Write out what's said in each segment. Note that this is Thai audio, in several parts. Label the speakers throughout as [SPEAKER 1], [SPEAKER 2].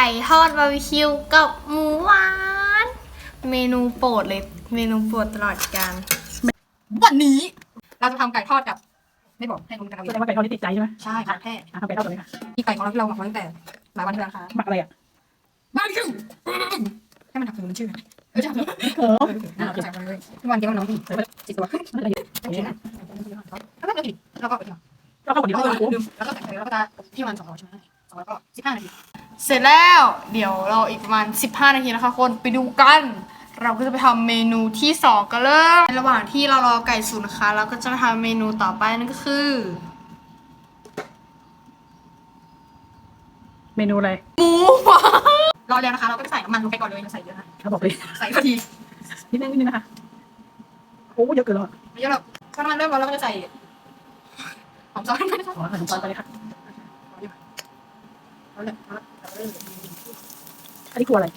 [SPEAKER 1] ก่ทอดบาร์บีคิวกับหมูหวานเมนูโปรดเลยเมนูโปรดตลอดกาลวันนี้เราจะทำไก่ทอดกับไม่บอกให้รู้กันเอาเอ
[SPEAKER 2] แส
[SPEAKER 1] ง
[SPEAKER 2] ดงว่าไก่ทอดนี่ติดใจใช่ไหม
[SPEAKER 1] ใช่ค่ะแค่
[SPEAKER 2] ทำไก่ทอดตัวนี้ค่ะ
[SPEAKER 1] ที่ไก่ของเราที่เราหมักไว้ตั้งแต่หลายวันที่แล้วนะคะ
[SPEAKER 2] หมักอะไรอ่ะ
[SPEAKER 1] บาร์บีคิวให้มันถักถึงมันชื่อใช่ไหม
[SPEAKER 2] เออ
[SPEAKER 1] ใส่ไปเลยทุกวันเดียวน้องจิตตัว
[SPEAKER 2] อะไรอยู่
[SPEAKER 1] แล้วก็เดี๋ยวอีกแล้วก็
[SPEAKER 2] แล้วก็คนเดียว
[SPEAKER 1] แล้ว
[SPEAKER 2] ก็
[SPEAKER 1] ก็
[SPEAKER 2] รู้
[SPEAKER 1] แล้วก็ใส่แล้วก็จะที่มัน200ใช่ไหม200ก็15 นาทีเสร็จแล้วเดี๋ยวเราอีกประมาณ15 นาทีนะคะคนไปดูกันเราก็จะไปทำเมนูที่2กันเลยในระหว่างที่เรารอไก่สุกนะคะเราก็จะมาทำเมนูต่อไปนั่นก็คือ
[SPEAKER 2] เมนูอะไร
[SPEAKER 1] หมูหวานรอแล้วนะคะเราก็จะใส่น้ำมันลงไปก่อนเลยใส่เยอะนะ
[SPEAKER 2] เขาบอกเลย
[SPEAKER 1] ใส่พอดี
[SPEAKER 2] นิดนึงนะคะโอ้เยอะเกินแล้ว
[SPEAKER 1] ไม่เยอะหรอกถ้าน้ำมันเริ่มร้อนเราก็จะใส่หอมซอสไปนะคะ
[SPEAKER 2] ขอใส่น้ำตาลไปเลยค่ะ
[SPEAKER 1] เอาเลย
[SPEAKER 2] อันนี้คืออะไร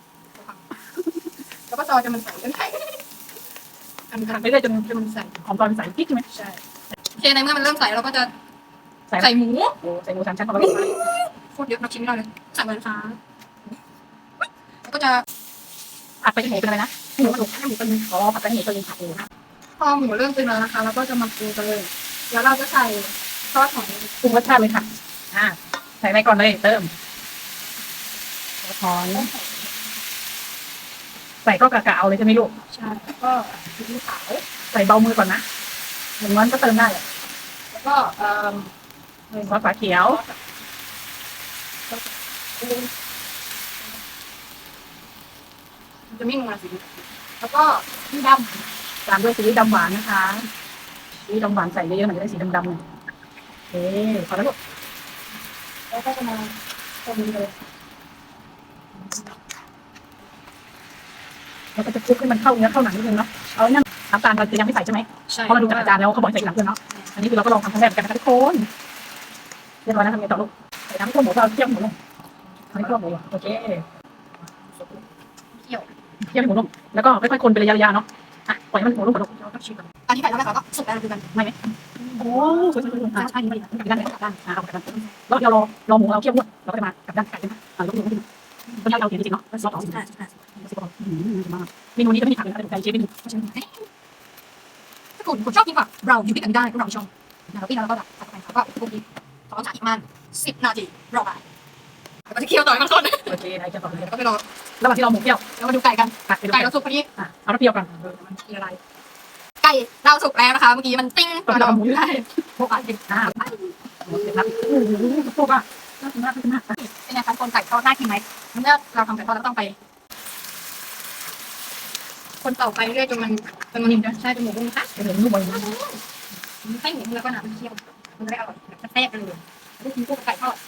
[SPEAKER 1] แล้วก็ซอยจนมันใสจนไข่อันนี้
[SPEAKER 2] ทำไปเรื่อยจน
[SPEAKER 1] มันใส
[SPEAKER 2] หอมตอนใส่พริกใช่ไหม
[SPEAKER 1] ใช่โอเคในเมื่อมันเริ่มใสเราก็จะ
[SPEAKER 2] ใส่
[SPEAKER 1] ใส่หมู
[SPEAKER 2] โอ้ใส่หมู3 ชั้นเข้าไป
[SPEAKER 1] โคตรเยอะนับชิ้นไม่ได้เลยใส่เหมือนฟ้าแล้วก็จะ
[SPEAKER 2] ผัดไปจนหมูเป็นอะไรนะหมูกระดูกให้หมูเป็นอ๋อผัดไปให้หมูเป็นผัดเอง
[SPEAKER 1] พอหมูเริ่มเป็นแล้วนะคะเราก็จะมาปรุงกันเลยแล้วเราจะใส่ซอสของ
[SPEAKER 2] ปรุงรสชาติเลยค่ะใส่อะไรก่อนเลยเติมหอมใส่ก็กะเอาเลยใช่ไหมลูก
[SPEAKER 1] ชาแล้วก็ซีอิ๊วขาว
[SPEAKER 2] ใส่เบามือก่อนนะเหมือนมันก็เติมได้
[SPEAKER 1] แล้วก็
[SPEAKER 2] ซอสฝาเขียว
[SPEAKER 1] จะไม่นัวสิแล้วก็ที่ด
[SPEAKER 2] ตามด้วยซีอิ๊วดำหวานนะคะซีอิ๊วดำหวานใส่เยอะๆหน่อยจะได้สีดำๆหน่อยโอเคพอแล้วลูก
[SPEAKER 1] ำแล้วก็จะมาตรงนี้เลย
[SPEAKER 2] แล้วก็จะคลุกให้มันเข้าเนื้อเข้าหนังนิดนึงเนาะเอานั่นน้ำตาลเราจะยังไม่ใส่ใช่ไหม
[SPEAKER 1] ใช่
[SPEAKER 2] เพราะเราดูจากอาจารย์แล้วเขาบอกให้ใส่ทีหลังด้วยเนาะอันนี้คือเราก็ลองทำครั้งแรกเหมือนกันนะคะทุกคนเรียบร้อยนะทำไงต่อลูกใส่น้ำข้นหมูเราเคี่ยวหมูลงอันนี้ข้นหมูโอเค
[SPEAKER 1] เคี่ยว
[SPEAKER 2] เคี่ยวให้หมูลงแล้วก็ค่อยๆคนเป็นระยะๆเนาะอ่ะปล่อยให้มันหมูลงก่อนลูก
[SPEAKER 1] เราต้องชิมก่อนอันที่ไก่แล้วนะคะก็สุกแล้วดูกัน
[SPEAKER 2] ไม่ไหมโอ้สวยๆใช่นี่ด้านไหนด้านเอากลับด้านแล้วเดี๋ยวรอหมูเราเคี่ยวด้วยเราก็จะมากลับด้านไก่กันยกมือขึ้นต้นยาวๆเขียนจริงเนาะรอบ2 มากเมนูนี้จะไม่มีผักเลยนะไก่เชฟเมนู
[SPEAKER 1] ถ้าคุณชอบกินแบบเราอยู่ด้วยกันได้พวกเราชอบเราปิ้งแล้วก็แบบใส่ไปก็พวกนี้ต้องจ่ายอีกประมาณ10 นาทีรอไปแล้วก็จะเคี่ยวต่อมันคน
[SPEAKER 2] โอเคได้จะต่อเลย
[SPEAKER 1] แล้วก็ไปรอ
[SPEAKER 2] ระหว่างที่เราหมูเคี่ยว
[SPEAKER 1] แล้วมาดูไก่กัน
[SPEAKER 2] ไปดู
[SPEAKER 1] ไก่เราสุกพอดี
[SPEAKER 2] เอาน้ำเปรี้ยวก่อน
[SPEAKER 1] มันละลายไก่เราสุกแล้วนะคะเมื่อกี้มันติ้ง
[SPEAKER 2] ตอนเราหมูอยู่ได้
[SPEAKER 1] พวกอะไร
[SPEAKER 2] นับพวกอ่ะน่ากินมากน่ากินมาก
[SPEAKER 1] เป็นไงคะคนไก่ทอดน่ากินไหมเมื่อเราทำไก่ทอดเราต้องไป คนต่อไปเรื่อยจนมันนิ่มใช่จนหมูนุ่มค่ะ
[SPEAKER 2] เป็นหมูนุ่มเลย
[SPEAKER 1] ให้หมูแล้วก็น้ำเคี่ยวมันจะได้อร่อยแบบแซ่บๆเลยลูกชิ้นพวกไก่ทอด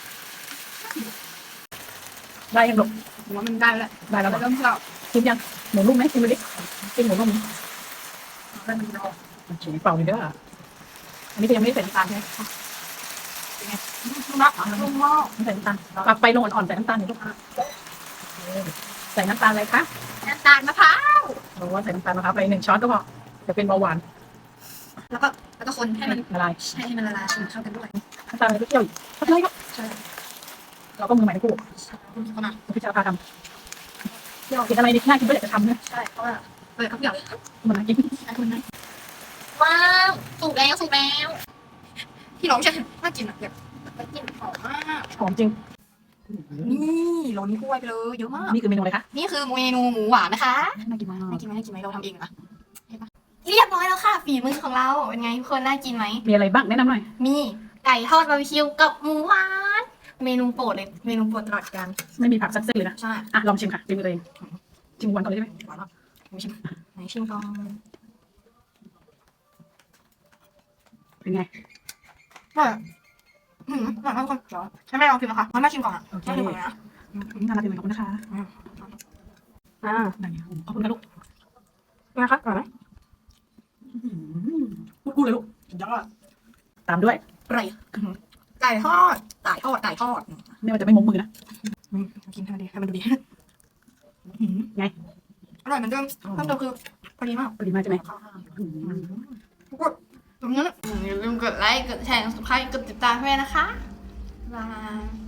[SPEAKER 2] ได้ยังลูก
[SPEAKER 1] ผมว่ามันได้แล้ว
[SPEAKER 2] ได้แล้ว
[SPEAKER 1] เริ่มที่เรา
[SPEAKER 2] ชิมยังหมูนุ่มไหมชิมดูดิชิมหมูนุ่ม
[SPEAKER 1] เริ่มรอ
[SPEAKER 2] โอเคเปล่าเลยเด้ออันนี้ก็ยังไม่ได้ใส่น้ำตาลใช่ไหม
[SPEAKER 1] นุ่มมากนุ่มมาก
[SPEAKER 2] ไม่ใส่น้ำตาลปรับไฟลงอ่อนๆใส่น้ำตาลหน่อยลูกใส่น้ำตาลอะไรคะ
[SPEAKER 1] น้ำตาลมะพร้าว
[SPEAKER 2] บอกว่าใส่น้ำตาลมะพร้าวไป1 ช้อนก็พอจะเป็นเบาหวาน
[SPEAKER 1] แล้วก็คนให้มัน
[SPEAKER 2] ละลาย
[SPEAKER 1] ให้มันละลายเข้ากันด้วย
[SPEAKER 2] น้ำตาลอะไรก็เคี่ยวอีกก็เลยครับ
[SPEAKER 1] ใช่
[SPEAKER 2] เราก็มือใหม่ทั้งคู่
[SPEAKER 1] เขามา
[SPEAKER 2] พิจารณาทำเห็นอะไรดีน่ากินก็อยากจะทำเนี่ย
[SPEAKER 1] ใช่เพราะว่าเปิดเขาเกี่ยว
[SPEAKER 2] มันน่ากิน
[SPEAKER 1] ว้าวสุกแล้วที่ร้องใช่น่ากินอ่ะแบบกินหอมมาก
[SPEAKER 2] หอมจริง
[SPEAKER 1] นี่ล้นกล้วยไปเลยเยอะมาก
[SPEAKER 2] นี่คือเมนูอะไรคะ
[SPEAKER 1] นี่คือเมนูหมูหวานนะคะ
[SPEAKER 2] น่ากินมาก
[SPEAKER 1] น่ากินไหมเราทำเองนะเรียบร้อยแล้วค่ะฝีมือของเราเป็นไงทุกคนน่ากินไหม
[SPEAKER 2] มีอะไรบ้างแนะนำหน่อย
[SPEAKER 1] มีไก่ทอดบาร์บีคิวกับหมูหวานเมนูโปรดเลยเมนูโปรดตลอดกาล
[SPEAKER 2] ไม่มีผักสักเส้นเลยนะ
[SPEAKER 1] ใช่
[SPEAKER 2] อ่ะลองชิมค่ะชิมตัวเองชิมวันก่อนเลยใช่ไหม
[SPEAKER 1] หวานมากไหนชิมก่อน
[SPEAKER 2] เป็นไง
[SPEAKER 1] หวานหวานมากทุกคนเดี๋ยวให้แม่ลองชิมนะคะให้แม่ชิมก่อนอ่ะ
[SPEAKER 2] โอเค
[SPEAKER 1] แม่ชิมก่อนนะ
[SPEAKER 2] น่ารักจังเลยขอบคุณนะคะ ได้ขอบคุณค่ะลูก
[SPEAKER 1] เป็นไงคะอร่อยไหม
[SPEAKER 2] พูดเลยลูกยอดตามด้วย
[SPEAKER 1] อร่อยไก่ทอด
[SPEAKER 2] ไม่ว่าจะไม่มกมือนะ
[SPEAKER 1] กินให้มันดีให้มันดูดี
[SPEAKER 2] ไง
[SPEAKER 1] อร่อยเหมือนเดิมเพิ่มเติมคือพอดีมาก
[SPEAKER 2] พอดีมากใช่ไหม
[SPEAKER 1] ตรงนี้อย่าลืมกดไลค์ กดแชร์ กด subscribe กดติดตามให้นะคะบ๊ายบาย